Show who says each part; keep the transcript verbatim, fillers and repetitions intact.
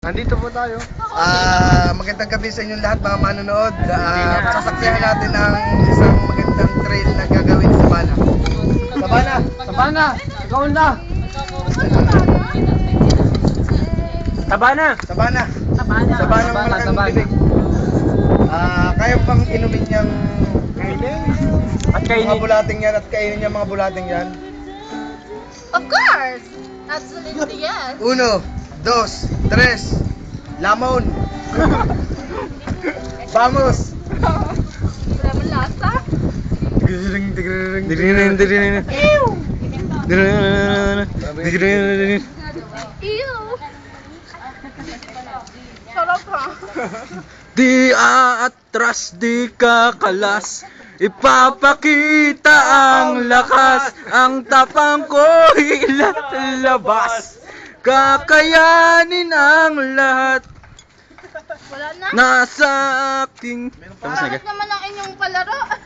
Speaker 1: Nandito po tayo.
Speaker 2: Ah, magandang gabi sa inyong lahat mga manonood. Ah, sasaksihan natin ang isang magandang trail na gagawin sa Sabana. Sabana!
Speaker 1: Sabana! Ikaw na! Sabana!
Speaker 2: Sabana!
Speaker 1: Sabana!
Speaker 2: Sabana ng malaking bibig. Ah, kaya pang inumin niyang
Speaker 1: At
Speaker 2: mga
Speaker 1: kainin.
Speaker 2: bulating yan at kainin niya mga bulating yan.
Speaker 3: Of course! Absolutely yes!
Speaker 2: Uno, dos, tres, lamon. Vamos!
Speaker 3: Wala mo lasa?
Speaker 2: Tigriring, tigriring,
Speaker 1: Diririn, diririn.
Speaker 3: Ew!
Speaker 1: Diririn, diririn.
Speaker 3: Ew! Sarap ha?
Speaker 1: Di aatras, di kakalas. Ipapakita ang lakas, ang tapang ko ilalabas. Kakayanin ang lahat.
Speaker 3: Wala na?
Speaker 1: Nasa aking... Tapos na ka?
Speaker 3: Bakit naman ang inyong palaro?